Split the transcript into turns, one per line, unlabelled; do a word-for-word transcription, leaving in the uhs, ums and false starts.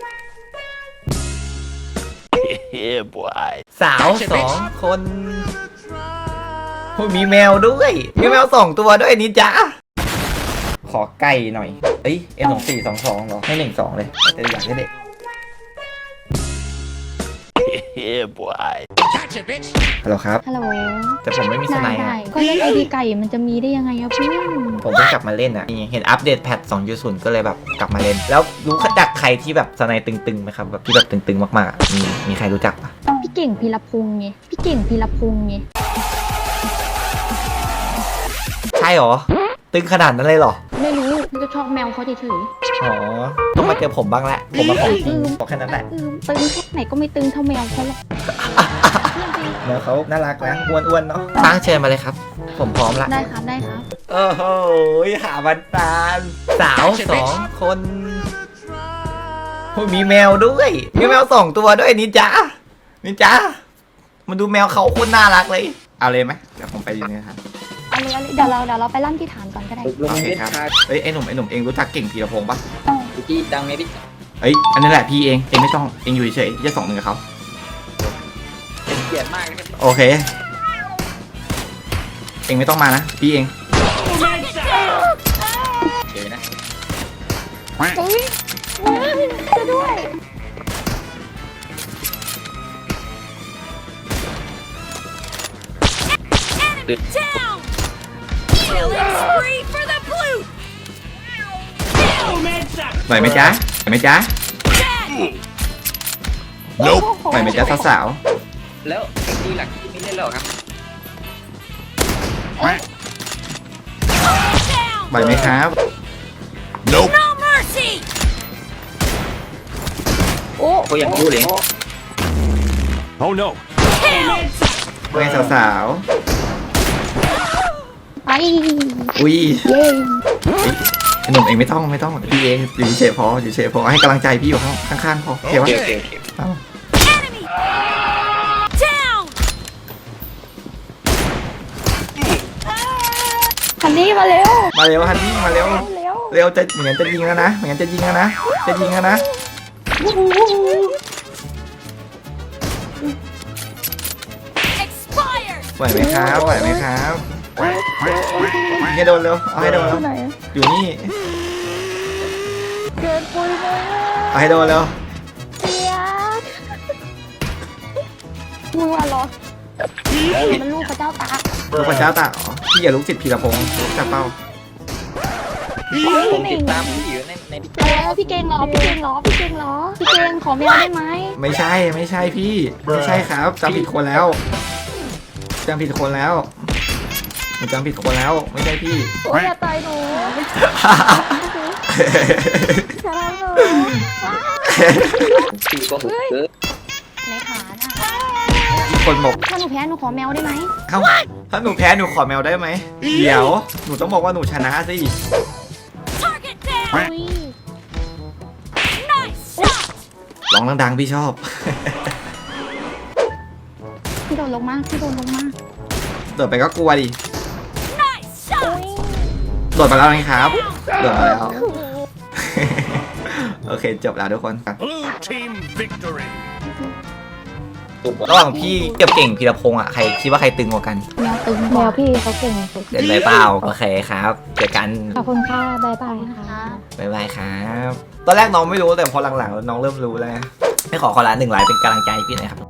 สาวสองคนมีแมวด้วยมีแมวสองตัวด้วยนี่จ้าขอไก่หน่อยเอ้ยเอ็มสองสี่สองสองเหรอให้หนึ่งสองเลยแต่อยากให้เด็กฮัลโหลครับ
ฮัลโหล
แต่ผมไม่มีสไนด์
ได้
อะ
ได้ก็เล่นไอดีไก่มันจะมีได้ยังไงอะเพื่อน
ผมเพิ่งกลับมาเล่นอ่ะเห็นอัปเดตแพทสองจุดศูนย์ก็เลยแบบกลับมาเล่นแล้วรู้จักใครที่แบบสไนด์ตึงๆไหมครับแบบที่แบบตึงๆมากๆอะมีมีใครรู้จักปะ
พี่เก่งพีรพงษ์ไงพี่เก่งพีรพงษ์ไง
ใช่หรอตึงขนาดนั้นเลยเหรอ
ไม่รู้มันจะชอบแมวเขาเฉย
อ๋อต้องมาเจอผมบ้างแหละผมมาของจริงบอกแค่นั้นแหละ
ๆอืมตึงแค่ไหนก็ไม่ตึงเท่าแมวเขาหรอก
แมวเขาน่ารักนะอ้วนๆเนาะตั้งเชิญมาเลยครับ ผมพร้อมละ
ได้ครับได้ครับ
โอ้โหหาบันตาลสาวสองคนมีแมวด้วยมีแมวสองตัวด้วยนี่จ้านี่จ้ามันดูแมวเขาโคตรน่ารักเลยเอาเลยไหมเดี๋ยวผมไปอยู่นี่ครับ
เอาเลยเอาเลยเดี๋ยวเราเดี๋ยวเราไปลั่นที่ฐานก่อนก็ได้
ลง
โอเค
เล่น
ครับ
คา
เอ้ยไอ้หนุ่มไอ้หนุ่มเองรู้จักเก่งพีรพงษ์ปะ
พี่ดังไหมพี่
เอ้ยอันนี้แหละพี่เองเองไม่ต้องเองอยู่เฉยๆจะสองหนึ่งกับเขา
เป็นเกียรติมากนะครับ
โอเคเองไม่ต้องมานะพี่เอง
เฉยนะ
เฮ้ยจะด้วย
Down! Killing spree for the blue!
ไหวไหมจ๊ะไหวไหมจ๊ะ
Dead!
ไหวไหมจ๊ะสาว
แล้วทีหลักที่ไม่เล่นแล้วครับ
Down!
ๆไหวไหมครับ
No mercy!
โอ้
ก็ยังรู้เลย
Oh no!
Kill!
เว้ยสาว
ไป
ๆอุ้ย
เย้
ไอ้หนุ่มเองไม่ต้องไม่ต้องพี่เองอยู่เฉยๆพออยู่เฉยๆพอให้กำลังใจพี่อยู่ข้างข้างๆพอโอเควะ
โอเคโอเคโอเค
เอา
Enemy! Down!
คันนี้มาเร็ว
มาเร็วฮันนี่มาเร็ว
เร็ว
เร็วจะเหมือนจะยิงแล้วนะเหมือนจะยิงแล้วนะจะยิงแล้วนะ
Expired!
ไหวไหมครับไหวไหมครับให้โดนเร็วเอาให้โดนเร็ว
ไหน
อยู่นี่
เกินปุยเลย
เอาให้โดนเร็ว
เสียมึงมาเหรอมันลูกพระเจ้าตาก
ลูกพระเจ้าตากอ๋อพี่อย่าลุกจิตพีรพงศ์ลุกจากเป้า
ผมติดตามพี่อยู่ในในดิ
แล้วพี่เก่งเหรอพี่เก่งเหรอพี่เก่งเหรอพี่เก่งขอแมวได้ไหม
ไม่ใช่ไม่ใช่พี่ไม่ใช่ครับจำผิดคนแล้วจำผิดคนแล้วหนูจำผิดคนแล้วไม่ใช่พี่
โอ้ยอย่าตายหนูอย่าทำหนู
ปีก็หุบเกิน
ในฐานอ่ะ
มีคนบอก
ถ้าหนูแพ้หนูขอแมวได้ไหม
เอ้าถ้าหนูแพ้หนูขอแมวได้ไหมเดี๋ยวหนูต้องบอกว่าหนูชนะสิ
Target
อุ้
down!
ย
Nice shot!
ร้องดังๆพี่ชอบ
พี่โดนลงมาพี่โดนลงมา
โดดไปก็กลัวดิ
Nice shot!
โดดมาแล้วไงครับโดดมาแล้ว โอเคจบแล้วทุกคน
Blue team victory!
ระหว่างพี่กับเก่งพีรพงศ์อ่ะใครคิดว่าใครตึงกว่ากัน
แมวตึงแมวพี่เขาเก่งสุด
เล่นเลยเปล่าโอเคครับเจอกัน
ขอบคุณค่ะบายบายค่ะ
บ๊ายบายครับตอนแรกน้องไม่รู้แต่พอหลังๆน้องเริ่มรู้แล้วนะให้ขอขอละหนึ่งไลค์เป็นกำลังใจให้พี่หน่อยครับ